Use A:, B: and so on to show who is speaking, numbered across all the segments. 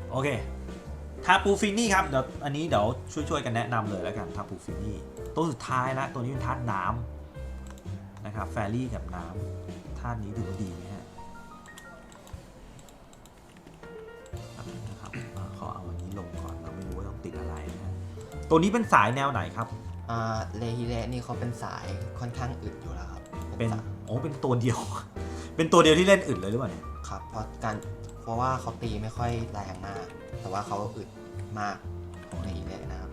A: โอเคทาปูฟินี่ครับเดี๋ยวอันนี้เดี๋ยวช่วยกันแนะนำเลยแล้วกันทาปูฟินี่ตัวสุดท้ายนะตัวนี้เป็นธาตุน้ำนะครับแฟรี่กับน้ำธาตุนี้ถือว่าดีไหมฮะนะครับขอเอาอันนี้ลงก่อนเราไม่รู้ว่าต้องติดอะไรนะฮะตัวนี้เป็นสายแนวไหนครับ
B: เลฮิเระนี่เขาเป็นสายค่อนข้างอึดอยู่แล้วครับ
A: เป็นเป็นตัวเดียว เป็นตัวเดียวที่เล่นอึดเลยหรือเปล่าเนี่ย
B: ครับเพราะว่าเขาตีไม่ค่อยแรงมากแต่ว่าเขาอึดมากของเลฮิเระนะครับ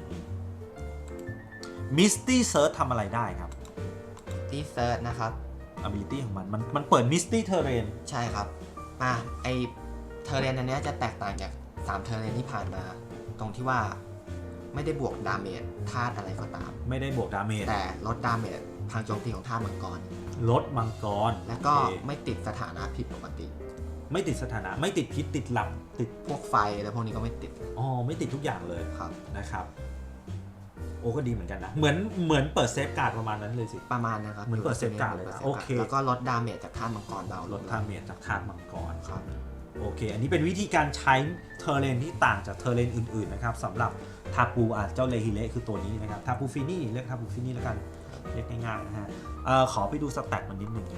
A: มิสตี้เซิร์ชทำอะไรได้ครับ
B: ที่เซิร์ชนะครับ
A: ability ของมันเปิดมิสตี้เทเรน
B: ใช่ครับไอเทเรนอันนี้จะแตกต่างจาก3เทเรนที่ผ่านมาตรงที่ว่าไม่ได้บวกดาเมจธาตุอะไรก็ตาม
A: ไม่ได้บวกดาเมจ
B: แต่ลดดาเมจทางโจมตีของธาตุมังกร
A: ลดมังกร
B: แล้วก็ไม่ติดสถานะผิดปกติ
A: ไม่ติดสถานะไม่ติดพิษติดหลับติด
B: พวกไฟแล้วพวกนี้ก็ไม่ติด
A: ไม่ติดทุกอย่างเลย
B: ครับ
A: นะครับโอ้ก็ดีเหมือนกันนะเหมือนเปิดเซฟการ์ดประมาณนั้นเลยสิ
B: ประมาณนะครับ
A: เหมือนเปิดเซฟการ์ดเลยนะโอเค
B: แล้วก็ลดดาเมจจากธาตุมังกรเบา
A: ลดดาเมจจากธาตุมังกรครับโอเคอันนี้เป็นวิธีการใช้เทเรนที่ต่างจากเทเรนอื่นๆนะครับสำหรับทาปูเจ้าเลฮิเระคือตัวนี้นะครับทาปูฟินี่เรียกทาปูฟินี่แล้วกันเรียกง่ายๆนะฮะขอไปดูสแตทมันนิดนึง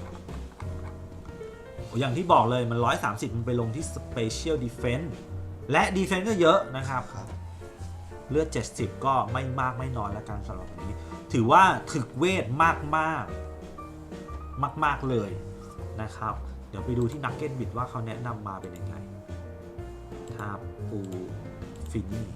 A: อย่างที่บอกเลยมัน130มันไปลงที่ Special Defense และ Defense ก็เยอะนะครับเลือด70ก็ไม่มากไม่น้อยแล้วกันสำหรับนี้ถือว่าถึกเวทมากเลยนะครับเดี๋ยวไปดูที่นักเก็ตบิดว่าเขาแนะนำมาเป็นยังไงทาปูฟินี่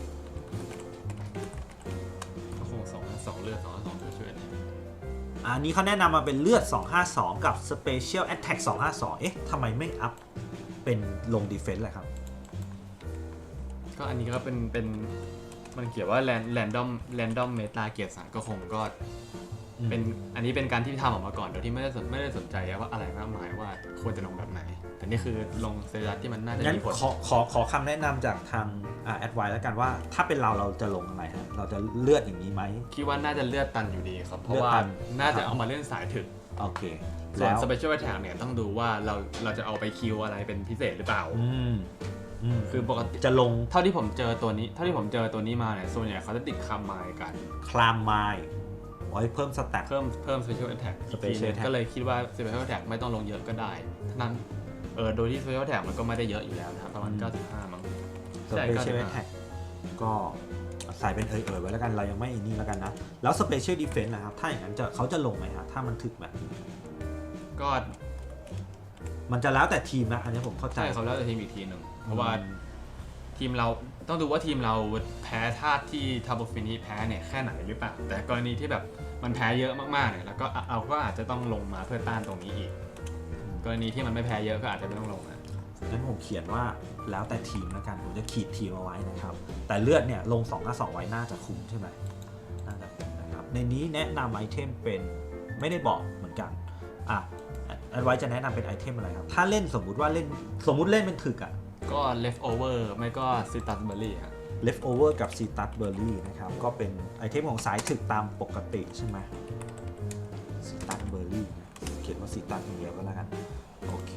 C: ก็คง252เลือด252ช่วย
A: อันนี้เขาแนะนำมาเป็นเลือด252กับ Special Attack 252เอ๊ะทำไมไม่อัพเป็นลง Defense ล่ะครับ
C: ก็อันนี้ก็เป็นมันเขียนว่า random meta เกียรติ3ก็คงก็เป็นอันนี้เป็นการที่ทำออกมาก่อนโดยที่ไม่ได้สนใจว่าอะไรมากมายว่าควรจะลงแบบไหนแต่นี่คือลงเซรัสที่มันน่าจะมีผล
A: ขอคำแนะนำจากทางแอดไวแล้วกันว่าถ้าเป็นเราจะลงอะไรฮะเราจะเลือดอย่างนี้ไหม
C: คิดว่าน่าจะเลือดตันอยู่ดีครับเพราะว่าน่าจะเอามาเล่นสายถึก
A: โอเค
C: ส่วน Special Attack เนี่ยต้องดูว่าเราจะเอาไปคิวอะไรเป็นพิเศษหรือเปล่าคือปกติ
A: จะลง
C: เท่าที่ผมเจอตัวนี้มาเนี่ยส่วนใหญ่เขาจะติดคามายกัน
A: คลามไมล์ไว้เพิ่มสแตท
C: เพิ่ม Special Attack ก็เลยคิดว่า Special Attack ไม่ต้องลงเยอะก็ได้ทั้งนั้นโดยที่ Special Attack มันก็ไม่ได้เยอะอยู่แล้วนะครับประมาณ95มั้ง
A: Special Attack ก็ใส่เป็นไว้แล้วกันเรายังไม่นี่แล้วกันนะแล้ว Special Defense นะครับถ้าอย่างนั้นเขาจะลงไหมฮะถ้ามันถึกแบบนี้
C: ก็
A: มันจะแล้วแต่ทีมนะอันนี้ผมเข้าใจ
C: ใช่เขาแล้วแต่ทีมอีกทีนึงเพราะว่าทีมเราต้องดูว่าทีมเราแพ้ธาตุที่ทาโบฟินีแพ้เนี่ยแค่ไหนหรือเปล่าแต่กรณีที่แบบมันแพ้เยอะมากๆเนี่ยแล้วก็ก็อาจจะต้องลงมาเพื่อต้านตรงนี้อีกกรณีที่มันไม่แพ้เยอะก็อาจจะไม่ต้องลงนะ
A: งั้นผมเขียนว่าแล้วแต่ทีมแล้วกันผมจะขีดทีมเอาไว้นะครับแต่เลือดเนี่ยลง2-2ไว้น่าจะคุ้มใช่ไหมน่าจะคุ้มนะครับในนี้แนะนำไอเทมเป็นไม่ได้บอกเหมือนกันอันไว้จะแนะนำเป็นไอเทมอะไรครับถ้าเล่นสมมุติเล่นเป็นถึก
C: ก็ leftover ไม่ก็ citrus berry ครับ
A: leftover กับ citrus berry นะครับก็เป็นไอเทมของสายถึกตามปกติใช่ไหม citrus berry เขียนว่า citrus อย่างเดียวก็แล้วกันโอเค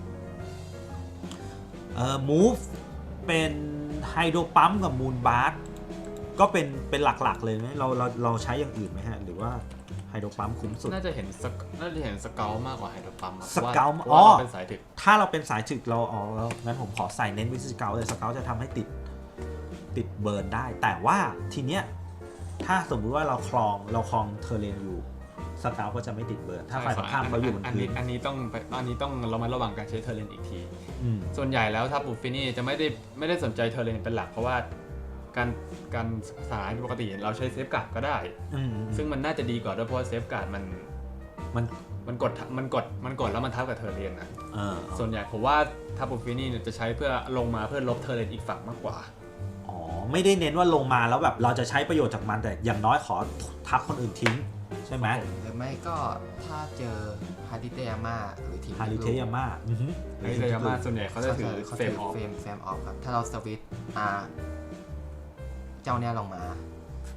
A: move เป็นไฮโดรปั๊มกับมูนบาร์ก็เป็นหลักๆเลยไหมเราใช้อย่างอื่นไหมฮะหรือว่าไฮโดรปั๊มคุ้มสุด
C: น่าจะเห็นสเกลมากกว่าไฮโดรปั๊ม
A: สเกล
C: เป็นสายถึก
A: ถ้าเราเป็นสายถึกเราแล้วงั้นผมขอใส่เน้นวิสเกลเลยสเกลจะทำให้ติดเบิร์นได้แต่ว่าทีเนี้ยถ้าสมมุติว่าเราคลองเทอร์เรนอยู่สเกลก็จะไม่ติดเบิร์นถ้าฝ่ายตรงข้ามเขาอยู่บนพื้น
C: อันนี้ต้องเรามาระวังการใช้เทอร์เรนอีกทีส่วนใหญ่แล้วถ้าปูฟินี่จะไม่ได้สนใจเทอร์เรนเป็นหลักเพราะว่าการสายปกติเราใช้เซฟการ์ดก็ได้ซึ่งมันน่าจะดีกว่าด้วยเพราะว่าเซฟการ์ดมันกดแล้วมันทับกับเทอร์เรนนะส่วนใหญ่ผมว่าทับปูฟินี่จะใช้เพื่อลงมาเพื่อลบเทอร์เรนอีกฝั่งมากกว่า
A: ไม่ได้เน้นว่าลงมาแล้วแบบเราจะใช้ประโยชน์จากมันแต่อย่างน้อยขอทับคนอื่นทิ้งใช่ไหม
B: หรือไม่ก็ถ้าเจอฮาริเตยาม่าหรือทีม
A: ฮาริเตยาม่า
C: ส่วนใหญ่เขาจะถือเฟรมออฟ
B: ครับถ้าเราสวิตช์เจ้าเนี่ยลงมา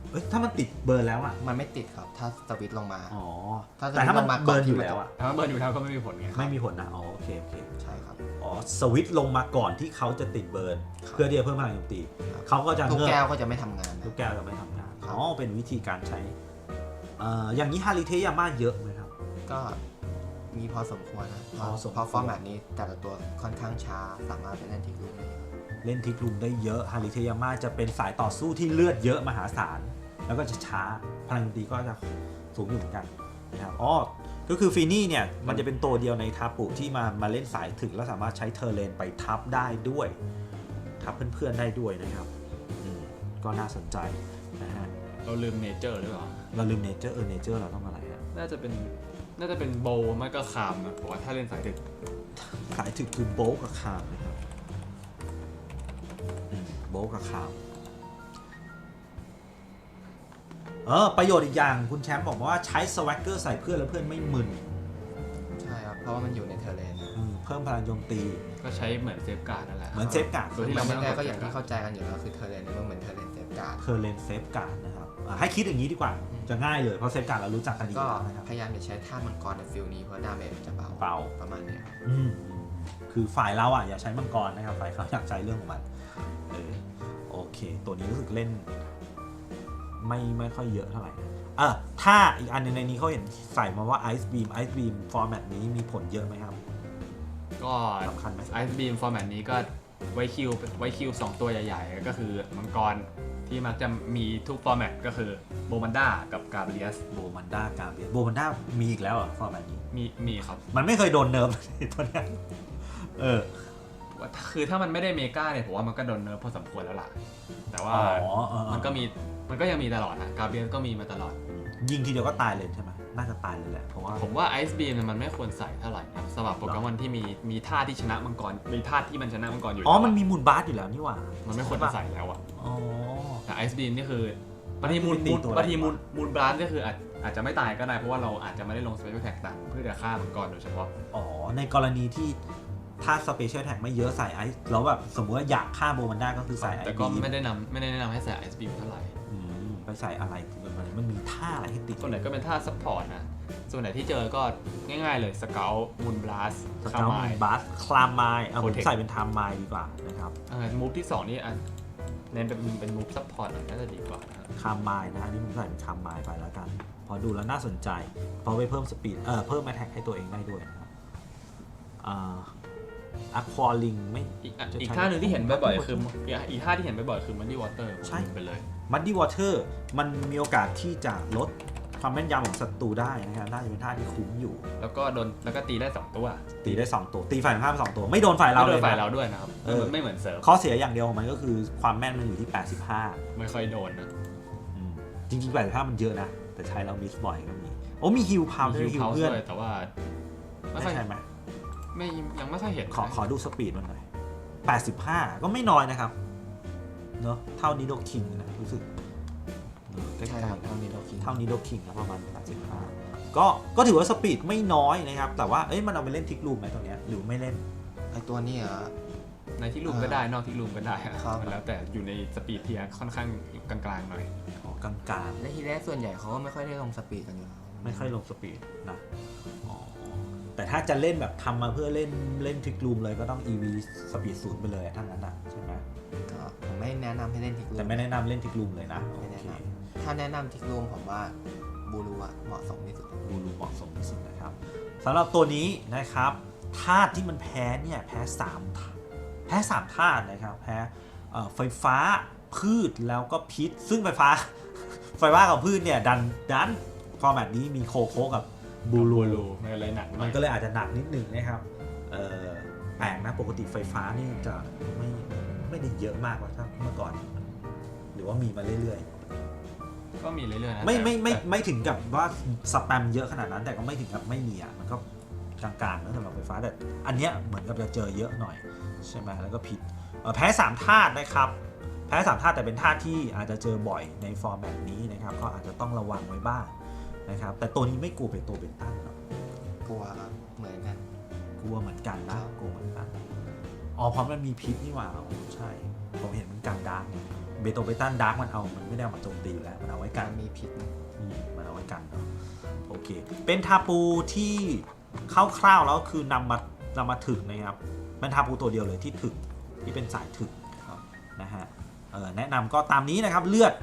A: เอ้ยถ้ามันติดเบิร์นแล้วอ่ะ
B: มันไม่ติดครับถ้าสวิตช์ลงมา
A: อ๋อ
B: ถ้า
A: แต่ถ้ามัน
B: สวิตช์ลงมาก่อน
A: เบิร์นอยู่
B: ที่มัน
A: แล้วอ่ะ
C: ถ้าเบิร์นอยู่แล้วก็ไม่มีผลไง
A: ไม่มีผลนะอ๋อโอเคโอเค
B: ใช่ครับ
A: อ๋อสวิตช์ลงมาก่อนที่เขาจะติดเบิร์น
B: ครับ
A: เพื่อที่จะเพิ่มพลังโจมตีเขาก็จะ
B: ลูก
A: เงือก
B: แก้วก็จะไม่ทำงาน
A: ลู
B: นะ
A: กแก้วจะไม่ทำงาน
B: ครับ
A: อ๋อเป็นวิธีการใช้อย่างนี้ฮาริเทยาม่าเยอะไหมครับ
B: ก็มีพอสมควรนะ
A: พอสมควร
B: เพราะฟอร์แมตนี้แต่ละตัวค่อนข้างช้าสามารถไปเล่นทิ้งลูกได้
A: เล่นทิกลุมได้เยอะฮาริเทยาม่าจะเป็นสายต่อสู้ที่เลือดเยอะมหาศาลแล้วก็จะช้าพลังโจมตีก็จะสูงอยู่เหมือนกันนะครับอ๋อก็คือฟีนี่เนี่ยมันจะเป็นตัวเดียวในทาปุที่มาเล่นสายถึกแล้วสามารถใช้เทอร์เลนไปทับได้ด้วยทับเพื่อนๆได้ด้วยนะครับก็น่าสนใจนะฮะ
C: เราลืมเนเจอร์หรือเปล่า
A: เราลืมเนเจอร์เนเจอร์เราต้องอะไรฮะ
C: น่าจะเป็นโบว์ไม่ก็คามนะผมว่าถ้าเล่นสายดึก
A: สายถึกคือโบลกับคามนะครับโบลกับคามประโยชน์อีกอย่างคุณแชมป์บอกว่าใช้สวักเกอร์ใส่เพื่อนแล้วเพื่อนไม่มึน
B: ใช่ครับเพราะว่ามันอยู่ในเทอร์เลนนะ
A: เพิ่มพลังโจมตี
C: ก็ใช้เหมือนเซฟการ์ดนั่นแหละ
A: เหมือนเซฟการ์ด
C: โดยที่เรา
B: ไม่
C: ไม่ต้อง
B: แน่
C: ก
B: ก็
C: ด
B: อย่างที่
C: เซฟ
B: เข้าใจกันอยู่แล้วคือเทอร์เลนมันเหมือนเทอร์เลนเซฟการ์ด
A: เทอร์เลนเซฟการ์ดนะครับให้คิดอย่างนี้ดีกว่าจะง่ายเลยเพราะเซฟการ์ดเรารู้จักกันดีอ
B: ก็
A: ยู่แล้วนะครับ
B: พยายามจะใช้ท่ามังกรในฟิลนี้เพราะดาเมจจะเบา
A: เบา
B: ประมาณนี้ครับ
A: คือฝ่ายเราอ่ะอย่าใช้มังกรนะครับฝ่ายเขาอยากใช้เรื่องของมันโอเค ตัวนี้รู้สึกเล่นไม่ค่อยเยอะเท่าไหร่ถ้าอีกอันหนึงในนี้เขาเห็นใส่มาว่า Ice Beam ฟอร์แมตนี้มีผลเยอะไหมครับ
C: ก็
A: สำคัญไหม
C: ไอซ์บีมฟอร์แมตนี้ก็ไว้คิว2ตัวใหญ่ๆ ก็คือมังกรที่มักจะมีทุกฟอร์แมตก็คือโบมันด้ากับกาเบรียส
A: โบมันด้ากาเบียโบมันด้ามีอีกแล้วฟอร์แมตนี้
C: มีครับ
A: มันไม่เคยโดนเนิร์ฟ ตัวเนี้ย
C: คือถ้ามันไม่ได้เมกาเนี่ยผมว่ามันก็โดนเนิร์ฟพอสมควรแล้วล่ะ แต่ว่ามันก็ยังมีตลอดนะกาเบรียสก็มีมาตลอด
A: ยิงทีเดียวก็ตายเลยใช่ไหมน่าจะตายเลยแหละเพราะว่า
C: ผมว่าไอซ์บีมมันไม่ควรใส่เท่าไหร่นะสำหรับโปเกมอนที่มีท่าที่ชนะมังกรมีท่าที่มันชนะมังกรอยู่
A: มันมีมูลบาสอยู่แล้วนี่หว่า
C: มันไม่ควรจะใส่แล้วอ่ะ
A: อ๋อ
C: แต่ไอซ์บีมนี่คือบางทีมูล
A: ตีตัว
C: บางทีมูลบลัสก็คืออาจจะไม่ตายก็ได้เพราะว่าเราอาจจะไม่ได้ลงสเปเชียลแท็กต่างเพื่อจะฆ่ามังกรโดยเฉพาะ
A: ในกรณีที่ถ้าสเปเชียลแท็กไม่เยอะใส่ไอซ์แล้วแบบสมมติว่าอยากฆ่าโบมันด้าก็คือใส่ไอซ์
C: แต่ก็ไม่ได้แนะนำให้ใส่ไอซ์บีมเท่าไหร่
A: ไปใส่อะไรมันมีท่าอะไรให้ติด
C: ส่วนไหนก็เป็นท่าซัพพอร์ตนะส่วนไหนที่เจอก็ง่ายๆเลยสเกลมูลบลัส
A: ส
C: คา
A: เกล
C: มาย
A: บัสคลามไมล์ผม
C: Protect
A: ใส่เป็นไทม์ไมล์ดีกว่านะครับ
C: มูฟที่ 2 นี่เน้นเป็นมูฟซัพพอร์ตหน่อยน่าจะดีกว่านะครับ
A: คามไมล์นะอันนี้ผมใส่เป็นคามไมล์ไปแล้วกันพอดูแล้วน่าสนใจเพราะไปเพิ่มสปีดเพิ่มแอทแทกให้ตัวเองได้ด้วยนะครับอะควาลิงไม่
C: อีกท่าหนึ่งที่เห็นบ่อยๆคืออีกท่าที่เห็นบ่อยๆคือมันดี้วอเตอร์
A: ใช่
C: ไปเลย
A: มัดดี้วอเตอร์มันมีโอกาสที่จะลดความแม่นยำของศัตรูได้นะครับน่าจะเป็นท่าที่คุ้มอยู่
C: แล้วก็ตีได้2ตัว
A: ตีได้2ตัวตีฝ่ายตรงข้าม2ตัวไม่โดนฝ่ายเรา
C: ไม่
A: เล
C: โด
A: ย
C: นฝ่าย
A: นะ
C: เราด้วยนะครับ ไม่เหมือนเซิร์ฟ
A: ข้อเสียอย่างเดียวของมันก็คือความแม่นมันอยู่ที่ 85
C: ไม่ค่อยโดนนะ
A: จริงๆ85มันเยอะนะแต่ใช้เรามิสบ่อยก็มีมีฮิลพาวด้วยฮิล
C: เขา
A: เพื่อน
C: ด้วยแต่ว่าไม่
A: ได้
C: ค่อย
A: ใช่ไหม
C: ยังไม่ค่อยเห็น
A: ขอดูสปีดมันหน่อย85ก็ไม่น้อยนะครับเนอะเท่านี้โดคิงนะรู้สึกใกล้
B: ใช่ครับเท่านี้เราคิด
A: ๆเท่านี้โดคิงนะประมาณ85ก็ถือว่าสปีดไม่น้อยนะครับแต่ว่ามันเอาไปเล่นทิกลูมไหมตัวเนี้ยหรือไม่เล่น
B: ไอตัวนี้เหรอ
C: ในที่รูมก็ได้นอกที่รูมก็ได้อะ
B: ครับ
C: มันแล้วแต่อยู่ในสปีดเทียร์ค่อนข้างกลางๆหน่อย
A: กลาง
B: และทีแรกส่วนใหญ่เขาก็ไม่ค่อยได้ลงสปีดกันอยู่แล้ว
A: ๆไม่ค่อยลงสปีดนะแต่ถ้าจะเล่นแบบทำมาเพื่อเล่นทิกลูมเลยก็ต้อง EV สปีด0ไปเลยทั้งนั้นใช่ไหม
B: ก็ผมไม่แนะนำให้เล่นทิกลูม
A: แต่ไม่แนะนำเล่นทิกลูมเลยนะ
B: ไม่
A: โอ
B: แนะ
A: เคน
B: ถ้าแนะนำทิกลูมผมว่าบูรูอะเหมาะสมที่สุด
A: บูรูเหมาะสมที่สุดนะครับสำหรับตัวนี้นะครับธาตุที่มันแพ้เนี่ยแพ้3ธาตุนะครับแพ้ไฟฟ้าพืชแล้วก็พิษซึ่งไฟฟ้า กับพืชเนี่ยดันฟอร์แมตนี้มีโคโคกับบูรู
C: มันก็เลยหนักหน่
A: มั
C: อย
A: นก็เลยอาจจะหนักนิดหนึ่งนะครับแปลกนะปกติไฟฟ้านี่จะไม่ได้เยอะมากกว่าถ้าเมื่อก่อนหรือว่ามีมาเรื่อยๆ
C: ก็มีเรื่อยๆนะ
A: ไม่ถึงกับว่าสแปมเยอะขนาดนั้นแต่ก็ไม่ถึงกับไม่มีมันก็กลางๆนะสำหรับไฟฟ้าแต่อันเนี้ยเหมือนกับจะเจอเยอะหน่อยใช่ไหมแล้วก็ผิดแพ้3ธาตุนะครับแพ้3ธาตุแต่เป็นธาตุที่อาจจะเจอบ่อยในฟอร์แมตนี้นะครับก็อาจจะต้องระวังไว้บ้างนะครับแต่ตัวนี้ไม่กลัวเป็นตัวเป็นตั้งหรอก
B: กลัวครับเหมือนกัน
A: กลัวเหมือนกันนะกลัวเหมือนกันอ๋อเพราะมันมีพิษนี่หว่าอ๋อใช่ผมเห็นมันกันดาร์กเนี่ยเบตันดาร์กมันไม่ได้เอามาโจมตีอยู่แล้วมันเอาไว้กั
B: กาน รมีพิษนะ
A: มันเอาไว้กันเนาะโอเคเป็นทาปูที่คร่าวๆแล้วคือนำมาถึกนะครับเป็นทาปูตัวเดียวเลยที่ถึกที่เป็นสายถึกนะฮะแนะนำก็ตามนี้นะครับเลือด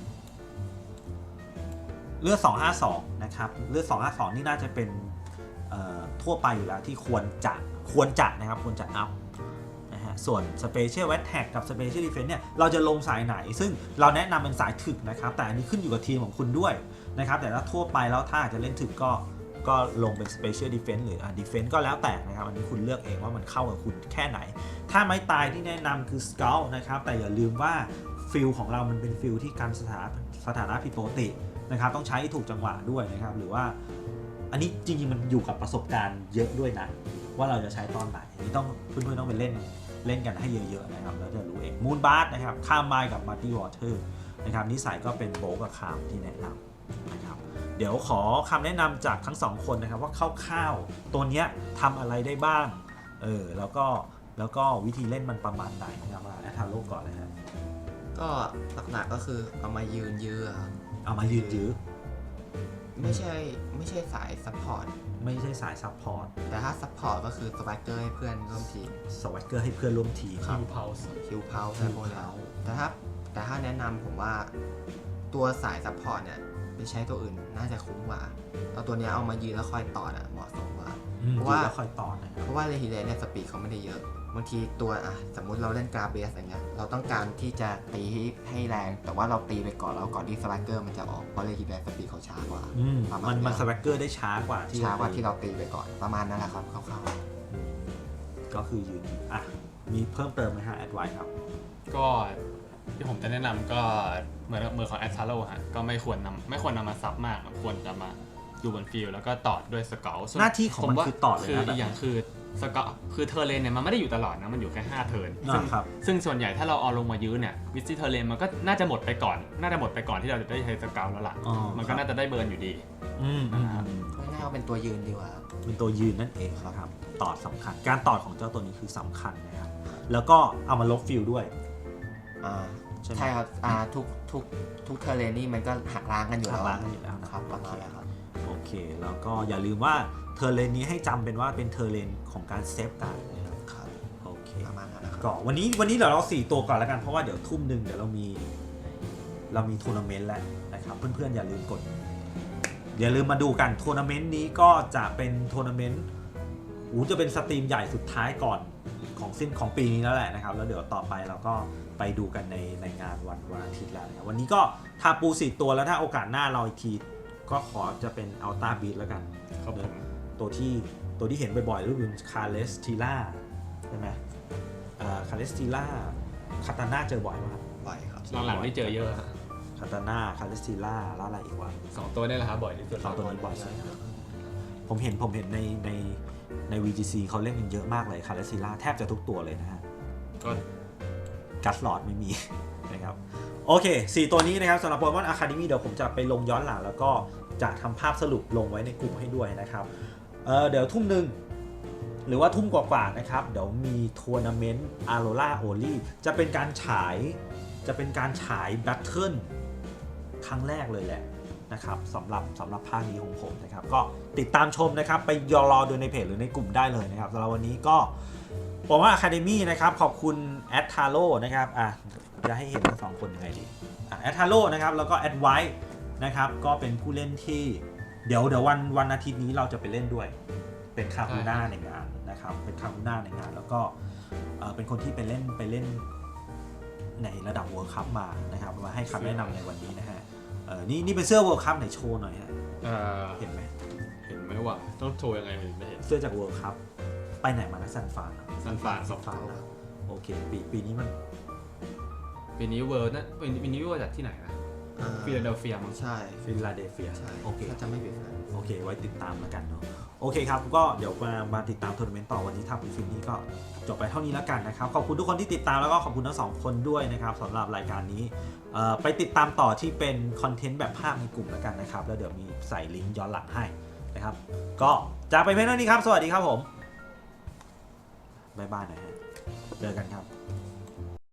A: 252นะครับเลือด 252นี่น่าจะเป็นทั่วไปอยู่แล้วที่ควรจะนะครับควรจะอัพนะฮะส่วน Special Attack กับ Special Defense เนี่ยเราจะลงสายไหนซึ่งเราแนะนำเป็นสายถึกนะครับแต่อันนี้ขึ้นอยู่กับทีมของคุณด้วยนะครับแต่ถ้าทั่วไปแล้วถ้าจะเล่นถึกก็ลงเป็น Special Defense หรือDefense ก็แล้วแต่นะครับอันนี้คุณเลือกเองว่ามันเข้ากับคุณแค่ไหนถ้าไม้ตายที่แนะนำคือ Scout นะครับแต่อย่าลืมว่าฟิลของเรามันเป็นฟิลที่การสถานะผิดปกตินะครับต้องใช้ถูกจังหวะด้วยนะครับหรือว่าอันนี้จริงๆมันอยู่กับประสบการณ์เยอะด้วยนะว่าเราจะใช้ตอนไหนอันนี้ต้องเพื่อนๆต้องไปเล่นกันให้เยอะๆนะครับแล้วจะรู้เองมูนบาร์นะครับข้ามไมล์กับมาร์ตี้วอเตอร์นะครับนิสัยก็เป็นโบกับคามที่แนะนำนะครับเดี๋ยวขอคำแนะนำจากทั้งสองคนนะครับว่าคร่าวๆตัวเนี้ยทำอะไรได้บ้างแล้วก็วิธีเล่นมันประมาณไหนนะครับมาแอทาโร่ก่อนเลยฮะ
B: ก็หลักๆก็คือเอามายืนยื้อครับ
A: เอามายืนยื้อ
B: ไม่ใช่สายซัพพอร์ต
A: ไม่ใช่สายซัพพอร์ต
B: แต่ถ้าซัพพอร์ตก็คือสไวเกอร์ให้เพื่อนร่วมทีม
A: สวัสเกอร์ให้เพื่อนร่วมทีม
C: คิวเพาส์
B: คิวเพาอะไรพวกนี้แต่ถ้าแนะนำผมว่าตัวสายซัพพอร์ตเนี่ยไปใช้ตัวอื่นน่าจะคุ้มกว่าเอาตัวเนี้ยเอามายืนแล้วคอยต่อน่ะเหมาะสมกว่า เพราะว่า
A: แล้วคอยต่อนะครับ
B: เพราะว่าเรฮิเลเนี่ยสปีดเขาไม่ได้เยอะบางทีตัวสมมุติเราเล่นกราเบสอย่างเงี้ยเราต้องการที่จะตีให้แรงแต่ว่าเราตีไปก่อนที่สไลเกอร์มันจะออกเพราะเรฮิเลสปีดเขาช้ากว่า
A: มันสวัสเกอร์ได้ช้ากว่าที่
B: เราตีไปก่อนประมาณนั้นแหละครับคร่าว
A: ก็คือยืนอ่ะมีเพิ่มเติมไหมฮะแอดไวครับ
C: ก็ที่ผมจะแนะนำก็เหมือนของแอตทาโร่ฮะก็ไม่ควรนำมาซับมากควรจะมาอยู่บนฟิลแล้วก็ต่อด้วยสเกล
A: หน้าที่ของมันคือต่อเลย
C: คือ
A: นะ
C: อีกอย่างคือสเกลคือเทอร์เลนเนี่ยมันไม่ได้อยู่ตลอดนะมันอยู่แค่5เทิร์น
A: ครับ
C: ซึ่งส่วนใหญ่ถ้าเราเอาลงมายื้อเนี่ยวิซิเทอร์เลนมันก็น่าจะหมดไปก่อนที่เราจะได้ใช้สเกลแล้วล่ะมันก็น่าจะได้เบิร์นอยู่ดี
B: ๆง่ายๆเอาเป็นตัวยืนดีกว่า
A: เป็นตัวยืนนั่นเองนะครับตอดสำคัญการตอดของเจ้าตัวนี้คือสำคัญนะครับแล้วก็เอามาลบฟิลด้วย
B: ใช่ครับทุกเทอร์เรนนี่มันก็หักล้างกันอยู่แล้ว
A: หักล้างกันอยู่แล้วนะครับ
B: ประมาณนั้นครับ
A: โอเคแล้วก็อย่าลืมว่าเทอร์เลนนี้ให้จำเป็นว่าเป็นเทอร์เลนของการเซฟการ์ดนะครับ
B: ครับ
A: โอเค
B: ประมาณนั้นนะครับ
A: ก็วันนี้เดี๋ยวเรา4ตัวก่อนแล้วกันเพราะว่าเดี๋ยวทุ่มหนึ่งเดี๋ยวเรามีทัวร์นาเมนต์แล้วนะครับเพื่อนๆอย่าลืมมาดูกันทัวร์นาเมนต์นี้ก็จะเป็นทัวร์นาเมนต์จะเป็นสตรีมใหญ่สุดท้ายก่อนของปีนี้แล้วแหละนะครับแล้วเดี๋ยวต่อไปเราก็ไปดูกันในงานวันอาทิตย์แล้วนะครับวันนี้ก็ทาปู4ตัวแล้วถ้าโอกาสหน้าเราอีกทีก็ขอจะเป็นอัลต้าบีทแล้วกัน
C: ครับผม
A: ตัวที่เห็นบ่อยๆก็คือคาเลสติล่าใช่ไหมคาเลสติล่าคาตาน่าเจอบ่อยมาก
B: บ่อยครับ
C: หลังๆนี่เจอเยอะฮะ
A: คาตาน่าคาเลสติล่าแล้วอะไรอีกวะ
C: 2 ตัวนี่แหละครับบ่อยที่สุด
A: สองตัวนี้บ่อยใช่ครับผมเห็นใน VGC เขาเล่นกันเยอะมากเลยคาเลสติล่าแทบจะทุกตัวเลยนะฮะ
C: ก็
A: กัสลอดไม่มี นะครับโอเค4ตัวนี้นะครับสำหรับโปเกมอนอะคาเดมี่เดี๋ยวผมจะไปลงย้อนหลังแล้วก็จะทำภาพสรุปลงไว้ในกลุ่มให้ด้วยนะครับเดี๋ยวทุ่มหนึ่งหรือว่าทุ่มกว่าๆนะครับเดี๋ยวมีทัวร์นาเมนต์อาโรล่าโอลี่จะเป็นการฉายแบทเทิลครั้งแรกเลยแหละนะครับสำหรับภาคนี้ของผมนะครับก็ติดตามชมนะครับไปรอดูในเพจหรือในกลุ่มได้เลยนะครับสำหรับวันนี้ก็ผมว่า Academy นะครับขอบคุณแอดทาโร่นะครับจะให้เห็นทั้งสองคนยังไงดีแอดทาโร่นะครับแล้วก็แอดไวท์นะครับก็เป็นผู้เล่นที่เดี๋ยววันอาทิตย์นี้เราจะไปเล่นด้วยเป็นคาคูน่าในงานนะครับเป็นคาคูน่าในงานแล้วก็เป็นคนที่ไปเล่นในระดับ World Cup มานะครับมาให้คำแนะนำในวันนี้นะฮะนี่เป็นเสื้อ World Cup ไหนโชว์หน่อยฮะเห็นไหม
C: ว่าต้องโชว์ยังไงไม่เห็น
A: เสื้อจาก World Cup ไปไหนมานะซันฟาน
C: นะ
A: โอเคปีนี้มัน
C: ปีนี้เวิร์จากที่ไหนนะฟิลาเดลเฟียมั้ง
B: ใช่
A: ฟิลาเดลเฟีย
B: ใช่
A: โอเค
B: ถ้าจะไม่ผิดนะ
A: โอเคไว้ติดตามแล้วกันเนาะโอเคครับก็เดี๋ยวมาติดตามทัวร์นาเมนต์ต่อวันนี้ทำฟิล์มนี้ก็จบไปเท่านี้แล้วกันนะครับขอบคุณทุกคนที่ติดตามแล้วก็ขอบคุณทั้งสองคนด้วยนะครับสำหรับรายการนี้ไปติดตามต่อที่เป็นคอนเทนต์แบบภาพในกลุ่มแล้วกันนะครับแล้วเดี๋ยวมีใส่ลิงก์ย้อนหลังให้นะครับก็จากไปเพียงเท่านี้ครับสวัสดีครับผมบ๊ายบายนะฮะเจอกันครับ